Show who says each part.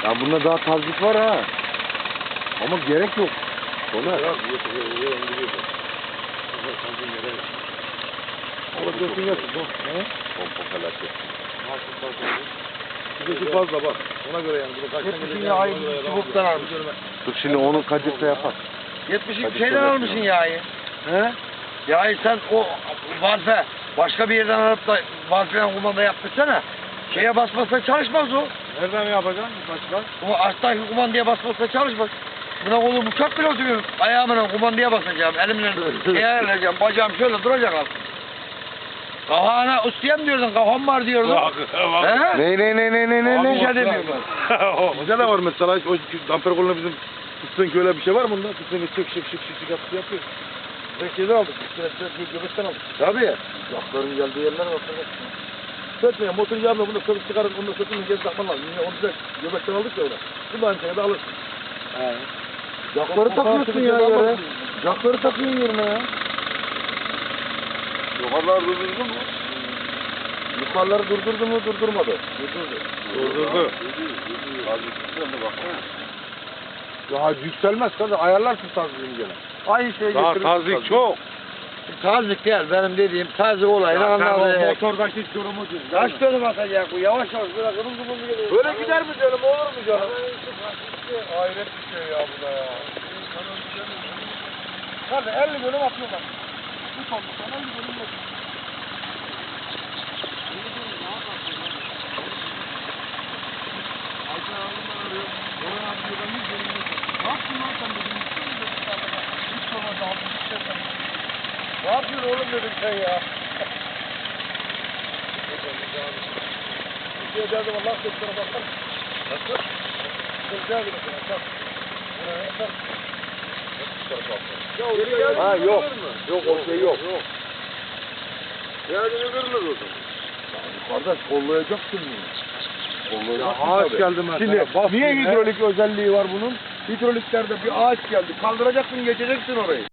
Speaker 1: Ya bunda daha tazlik var ha. Ama gerek yok. Soner.
Speaker 2: Orada dursun yatsın.
Speaker 1: Pompa felaket.
Speaker 2: Şurası fazla bak. Ona göre yani. Bunu kaçtan
Speaker 3: 70'in
Speaker 2: gelecek?
Speaker 3: yağı
Speaker 2: Ona göre adam-
Speaker 3: çubuktan almış.
Speaker 1: Dur şimdi onu kadirse yapar.
Speaker 3: 70'in
Speaker 1: Hadi
Speaker 3: şeyden
Speaker 1: söyle.
Speaker 3: almışsın yağı.
Speaker 2: He?
Speaker 3: Yağı sen o valfe başka bir yerden alıp da valfeden kumanda yaptırsana. Şeye basmazsa çalışmaz o.
Speaker 2: Nereden yapacaksın? Başka?
Speaker 3: Bu alttaki kumandaya basmazsa çalışmaz. Buna koyduğum uçak bile oturuyorum. Ayağımla kumandaya basacağım. Elimle şeye ayarlayacağım. Bacağım şöyle duracak alt. Kafana ustayım diyordun. Kafam var diyordun. He?
Speaker 1: Ne?
Speaker 3: Bir şey demiyorum.
Speaker 2: Bize de var mesela. O damper koluna bizim fıstığın öyle bir şey var mı bunda? Fıstığın şık yapıyor. Ben şeyden aldık. Göbekten aldık.
Speaker 1: Tabii.
Speaker 2: Yakların geldiği yerler var. Sötmeyin. Motor yağmıyor. Bunu söküp çıkarın. Bunu sökün. Geri takman lazım. Yine onu direkt göbekten aldık ya öyle. Bu da aynı şekilde alırsın.
Speaker 1: Yakları takıyorsun ya yere. Yakları takıyorsun yerine ya.
Speaker 2: Yukarılar durdurdu mu?
Speaker 1: Yukarıları durdurdu mu durdurmadı.
Speaker 2: Durdurdu.
Speaker 1: Ya yükselmez tabii. Ayarlarsın tazliğini gene.
Speaker 3: Aynı şey
Speaker 2: Daha
Speaker 3: getirin.
Speaker 2: tazik çok.
Speaker 3: Tazik değil benim dediğim tazik olayını anladı.
Speaker 2: Motordaki durumu değil.
Speaker 3: Kaç dönüm atacak bu yavaş yavaş böyle kırmızı kırmızı geliyor.
Speaker 2: Böyle gider mi canım? Olur mu canım? Hayret bir şey ya bu da ya. Hadi 50 dönüm atıyorlar. Bu tonluktan 50 dönüm yok. Ayşe Hanım arıyor. Orhan abi diyor ben 100 dönüm yok. Ne yaptın lan sen dedim. Hiç sormadı abi. Hiç şey yapmadı. Ne yapıyorsun oğlum dedim sen ya. Bir şey derdim Allah seslerine bakar. Nasıl? Sesler gibi bakar.
Speaker 1: Ha yok. Yok o şey yok.
Speaker 2: Yani kırılır o zaman.
Speaker 1: Kardeş kollayacaksın bunu. Kollayacaksın
Speaker 2: ağaç
Speaker 1: tabii.
Speaker 2: geldi mesela.
Speaker 1: Şimdi
Speaker 2: Bas
Speaker 1: niye
Speaker 2: yine.
Speaker 1: hidrolik özelliği var bunun? Hidroliklerde bir ağaç geldi. Kaldıracaksın geçeceksin orayı.